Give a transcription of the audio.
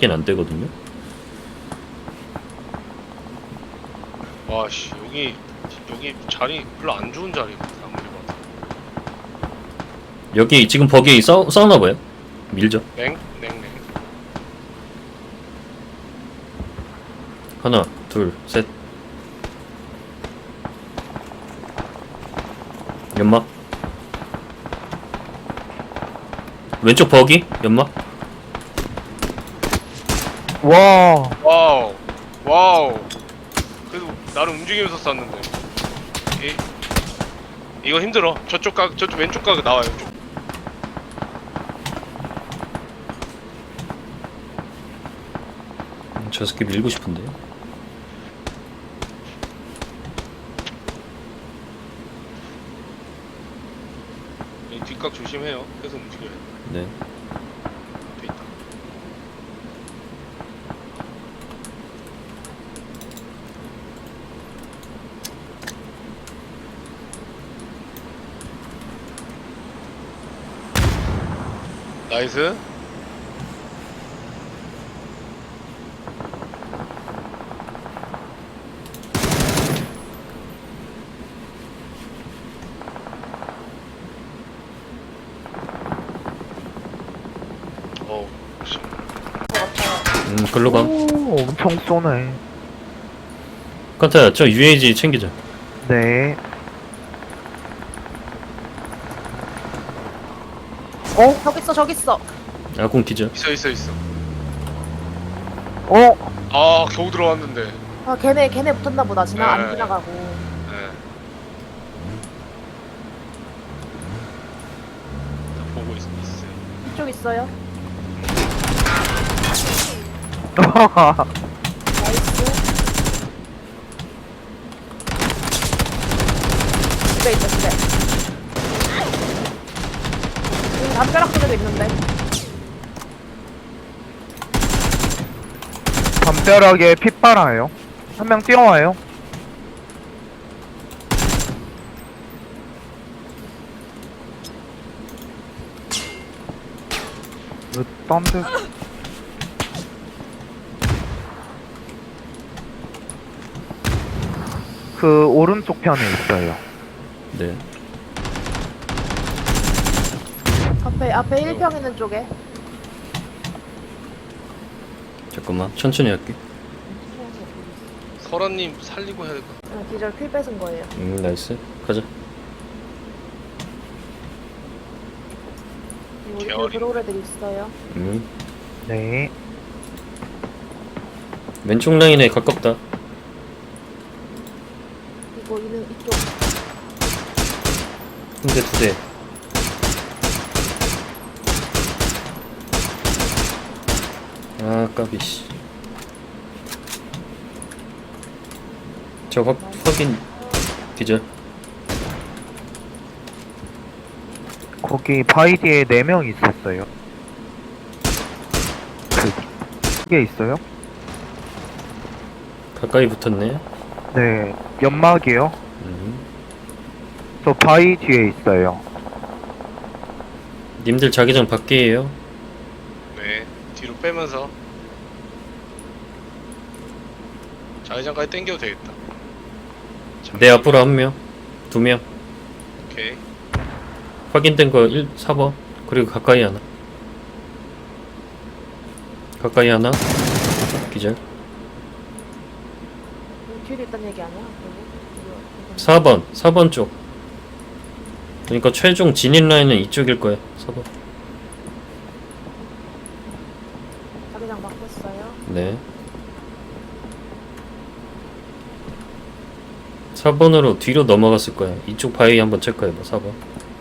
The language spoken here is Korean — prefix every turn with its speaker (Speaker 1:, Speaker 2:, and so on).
Speaker 1: 확인 안 되거든요.
Speaker 2: 와씨 여기 자리 별로 안 좋은 자리 아무리 봐도.
Speaker 1: 여기 지금 버기 싸우나 봐요. 밀죠.
Speaker 2: 냉.
Speaker 1: 하나, 둘, 셋. 연막. 왼쪽 버기 연막.
Speaker 3: 와.
Speaker 2: 와우. 그래도 나름 움직이면서 쐈는데. 이거 힘들어. 저쪽 왼쪽 각 나와요.
Speaker 1: 저 새끼 밀고 싶은데.
Speaker 2: 이 뒷각 조심해요. 계속 움직여야 돼.
Speaker 1: 네.
Speaker 2: 돼 있다. 나이스. 씨.
Speaker 1: 글로 감.
Speaker 3: 오, 엄청 쏘네.
Speaker 1: 칸타야, 저 UAG 챙기자.
Speaker 3: 네. 어?
Speaker 4: 저기 있어.
Speaker 1: 아군 기자.
Speaker 2: 있어.
Speaker 3: 어?
Speaker 2: 아 겨우 들어왔는데.
Speaker 4: 아, 걔네 붙었나 보다. 안
Speaker 2: 네.
Speaker 4: 지나가고.
Speaker 2: 네. 보고 있어요.
Speaker 4: 이쪽 있어요. 나이스. 집에 있다, 집에. 여기 담벼락 속에도 있는데.
Speaker 3: 담벼락에 핏바라요. 한 명 뛰어와요. 왜 딴데? 그 오른쪽 편에 있어요.
Speaker 1: 네.
Speaker 4: 앞에 1평 있는 쪽에.
Speaker 1: 잠깐만, 천천히 할게.
Speaker 2: 설아님 살리고 해야 될 것 같아.
Speaker 4: 기절 킬 뺏은 거예요.
Speaker 1: 나이스. 가자.
Speaker 4: 이거
Speaker 2: 계열이.
Speaker 4: 들어올 애들 있어요.
Speaker 3: 네.
Speaker 1: 왼쪽 라인에 가깝다.
Speaker 4: 이거 이쪽.
Speaker 1: 한 대, 두 대. 아, 까비씨. 저 확인 기절.
Speaker 3: 거기 바위 뒤에 4명 있었어요. 그게 있어요?
Speaker 1: 가까이 붙었네.
Speaker 3: 네. 연막이요.
Speaker 1: 음.
Speaker 3: 저 바위 뒤에 있어요.
Speaker 1: 님들 자기장 밖이에요.
Speaker 2: 네. 뒤로 빼면서 자회장까지 당겨도 되겠다.
Speaker 1: 내 앞으로 한 명, 두 명.
Speaker 2: 오케이.
Speaker 1: 확인된 거 4번. 그리고 가까이 하나. 가까이 하나. 기절.
Speaker 4: 뒤에 있다는 얘기 아니야?
Speaker 1: 4번 쪽. 그러니까 최종 진입 라인은 이쪽일 거야. 4번.
Speaker 4: 자기장 막고 있어요.
Speaker 1: 네. 4번으로 뒤로 넘어갔을 거야. 이쪽 바위 한번 체크해봐. 4번.